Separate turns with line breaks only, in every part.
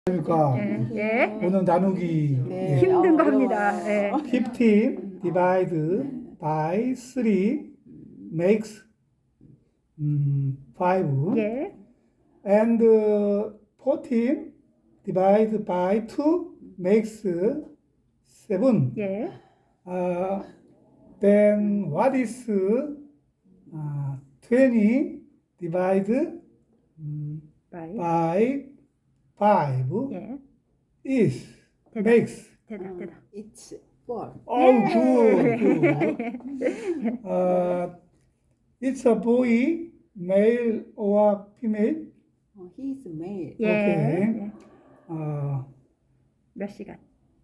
그러니까
예.
오늘 나누기
네.
힘든 거
어려워요.
합니다. 예.
15 divide by 3 makes 5
예.
and 14 divide by 2 makes 7.
예.
Then what is 20 divide
바이.
by 5
예.
is
대답.
makes.
대답. 대답.
It's 4.
Oh, good. It's a boy, male or female?
He's male.
예.
오케이.
예. 몇 시간?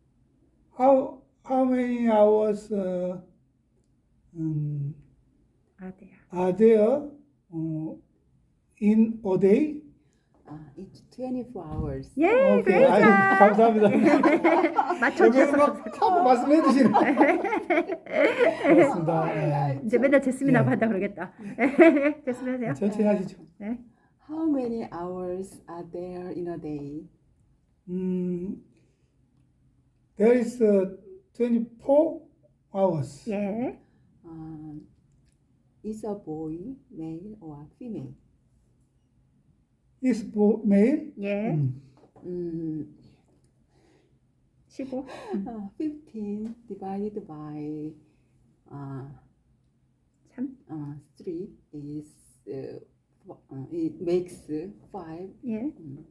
How many hours
아, 돼요.
are there in a day?
It's 24 hours.
예,
오케이.
그레이트.
아유, 감사합니다. 여기
맞춰주셔서
막 하고 말씀해 주시네. 고맙습니다. 네.
이제 맨날 제스민하고
네.
한다 그러겠다. 제스민 하세요.
천천히 하시죠.
네.
How many hours are there in a day?
There is 24 hours.
예.
Is a boy male or female?
Is male?
예. 15.
15 divided by
3.
3 is it makes 5.
예.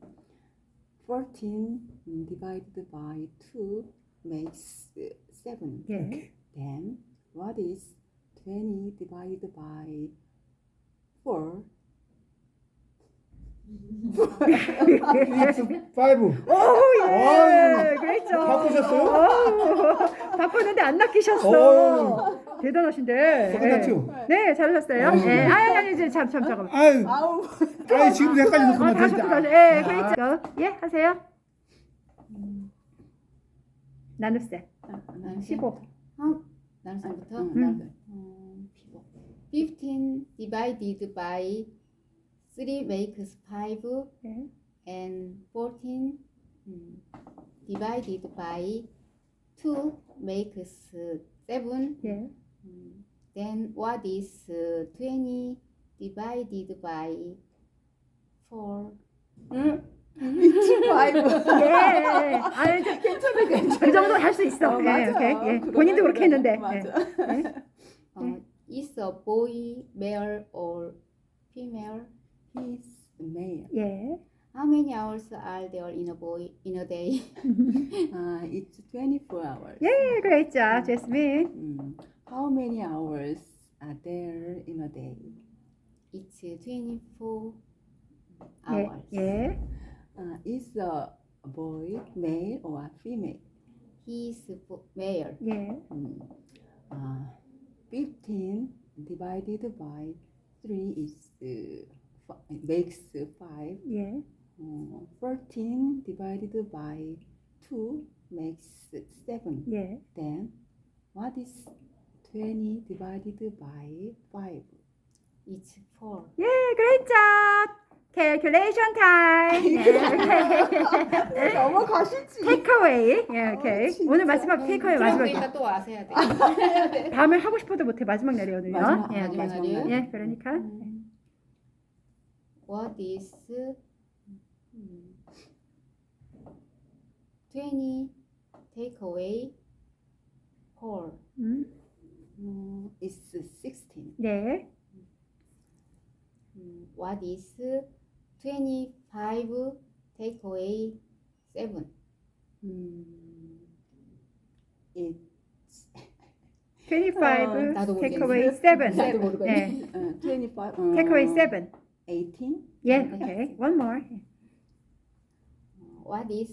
14 divided by 2 makes 7.
예.
Then what is 20 divided by 4?
It's 5.
오, 예.
아유,
그랬죠.
바꾸셨어요?
바꾸는데 안 낚이셨어. 대단하신데.
똑같죠?
예. 네, 잘하셨어요.
아유.
예. 아니, 이제 잠깐만.
아유,
아우.
아유 지금 헷갈려서 그만
다시
진짜.
또 예, 그랬죠. 예, 하세요. 나눗셈. 15.
나눗셈부터
응.
15 divided by 3 makes 5
예.
and 14 divided by 2 makes 7.
예.
Then what is 20 divided by 4?
It's 5.
예. 아니, 괜찮아. 그 정도 할 수 있어. 예,
맞아.
오케이. 예.
그거
본인도 그렇게 했는데.
맞아.
예.
Is a boy male or female?
He's male.
예.
How many hours are there in a day?
It's 24 hours.
예, 그랬죠. 제스민.
How many hours are there in a day?
It's 24
예.
hours.
예.
Is a boy male or female?
He's male.
예.
15 divided by 3 is makes 5.
예.
14 divided by 2 makes 7.
예.
Then what is 20 divided by 5?
It's 4.
예, 그랬죠. 캘큘레이션 타임. 예.
넘어가시지.
테이크어웨이. 예, 오케이.
진짜.
오늘 마지막 테이크어웨이 마지막.
그러니까 또 아셔야 돼.
다음에 하고 싶어도 못해. 마지막 날이에요, 오늘요.
마지막,
예,
마지막
오케이.
날이에요?
예, 그러니까.
What is 20 take away 4?
It's 16.
네.
What is 25 take away 7?
It's
25
나도
테이크어웨이
모르겠네.
7.
나도 모르겠네.
예.
25.
테이크어웨이 7.
18.
예, 오케이. One more.
What is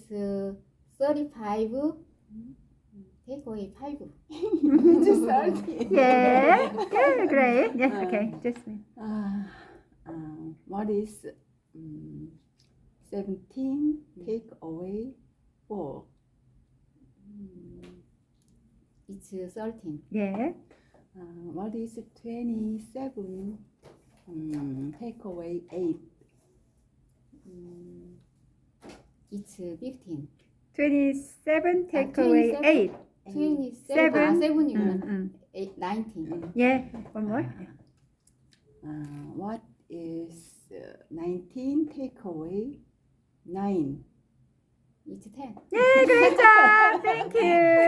35 take away 5?
It's 30.
예. 예, 그래. 예, 오케이. 제스민.
What is 17 take away 4?
It's 13.
예.
What is 27 take away 8?
It's 15.
27 take away 8.
27.
Seven.
아, 7이구나. 19.
Yeah, one more.
What is 19 take away 9?
It's 10.
Yeah, great job. Thank you.